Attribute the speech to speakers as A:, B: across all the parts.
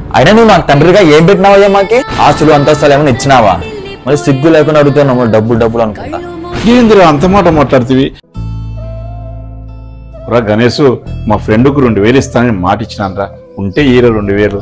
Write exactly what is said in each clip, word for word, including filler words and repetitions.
A: అయినా నువ్వు నాకు తండ్రిగా ఏం పెట్టినావయ్యా మాకి? ఆస్తులు అంతస్తులు ఏమైనా ఇచ్చినావా? మరి సిగ్గు లేకుండా అడుగుతున్నావు డబ్బులు డబ్బులు అనుకుంటా.
B: ఏందిరా అంత మాట మాట్లాడుతీవి? రా గణేష్, మా ఫ్రెండ్కు రెండు వేలు ఇస్తానని మాట ఇచ్చినానరా, ఉంటే ఈరో రెండు వేలు.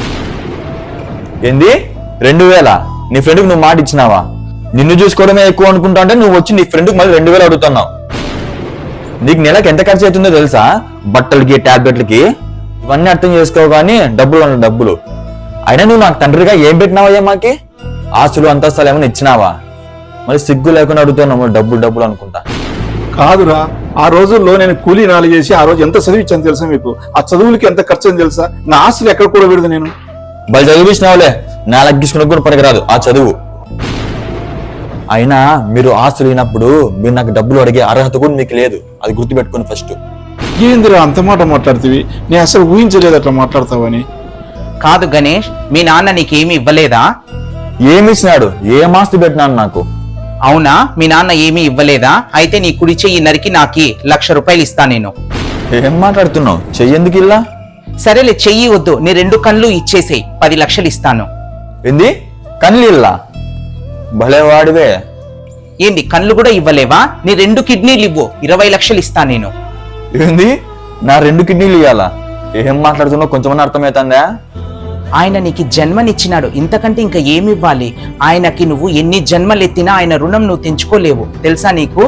A: ఏంది రెండు వేల? నీ ఫ్రెండ్కి నువ్వు మాట ఇచ్చినావా? నిన్ను చూసుకోవడమే ఎక్కువ అనుకుంటా అంటే నువ్వు వచ్చి నీ ఫ్రెండ్కి మళ్ళీ రెండు వేలు అడుగుతున్నావు. నీకు నెలకు ఎంత ఖర్చు అవుతుందో తెలుసా? బట్టలకి, టాబ్లెట్లకి. ఇవన్నీ అర్థం చేసుకోవు కానీ డబ్బులు అన్న డబ్బులు. అయినా నువ్వు నాకు తండ్రిగా ఏం పెట్టినావయ్యా మాకి? ఆస్తులు అంతస్తులు ఏమైనా ఇచ్చినావా? మరి సిగ్గు లేకుండా అడుగుతున్నావు డబ్బులు డబ్బులు అనుకుంటా.
B: కాదురా, ఆ రోజుల్లో నేను కూలీ నాలు చేసి ఆ రోజు ఎంత చదివించాను తెలుసా మీకు? ఆ చదువులకి ఎంత ఖర్చు అని తెలుసా? నా ఆస్తులు ఎక్కడ కూడా పెడదు నేను.
A: బలి చదివించినావులే, నా లగ్గించుకున్న కూడా పనికిరాదు ఆ చదువు. అయినా మీరు ఆస్తులు అయినప్పుడు మీరు నాకు డబ్బులు అడిగే అర్హత కూడా మీకు లేదు, అది గుర్తుపెట్టుకుని ఫస్ట్.
B: ఏందిరా అంత మాట మాట్లాడుతీవి? నేను అసలు ఊహించలేదు అట్లా మాట్లాడతావని.
C: కాదు గణేష్, మీ నాన్న నీకేమి ఇవ్వలేదా?
A: ఏమి ఇచ్చినాడు? ఏం ఆస్తి పెట్టినాను నాకు?
C: అవునా, మీ నాన్న ఏమీ ఇవ్వలేదా? అయితే నీ కుడి చెయ్యి నరికి నాకి లక్ష రూపాయలు ఇస్తా నేను.
A: ఏం మాట్లాడుతున్నావు? చెయ్యేందుకు ఇలా?
C: సరేలే, చెయ్యి వద్దు, నీ రెండు కళ్ళు ఇచ్చేసేయి, పది లక్షలు ఇస్తాను.
A: ఏంది కళ్ళు ఇల్లా? భలే వాడివే.
C: ఏంది కళ్ళు కూడా ఇవ్వలేవా? నీ రెండు కిడ్నీలు ఇవ్వు, ఇరవై లక్షలు ఇస్తా నేను.
A: ఏంది నా రెండు కిడ్నీలు ఇవ్వాలా? ఏం మాట్లాడుతున్నావు కొంచెమన్నా అర్థమవుతుందా?
C: ఆయన నీకు జన్మనిచ్చినాడు, ఇంతకంటే ఇంకా ఏమి ఇవ్వాలి? ఆయనకి నువ్వు ఎన్ని జన్మలు ఎత్తినా ఆయన రుణం నువ్వు తెంచుకోలేవు, తెలుసా నీకు?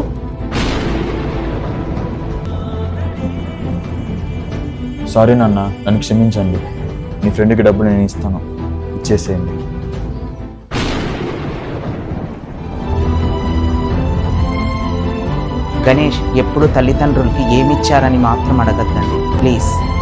A: సారీ నాన్న, నన్ను క్షమించండి. మీ ఫ్రెండ్కి డబ్బు నేను ఇస్తాను, ఇచ్చేసేయండి.
C: గణేష్, ఎప్పుడు తల్లిదండ్రులకి ఏమిచ్చారని మాత్రం అడగద్దండి ప్లీజ్.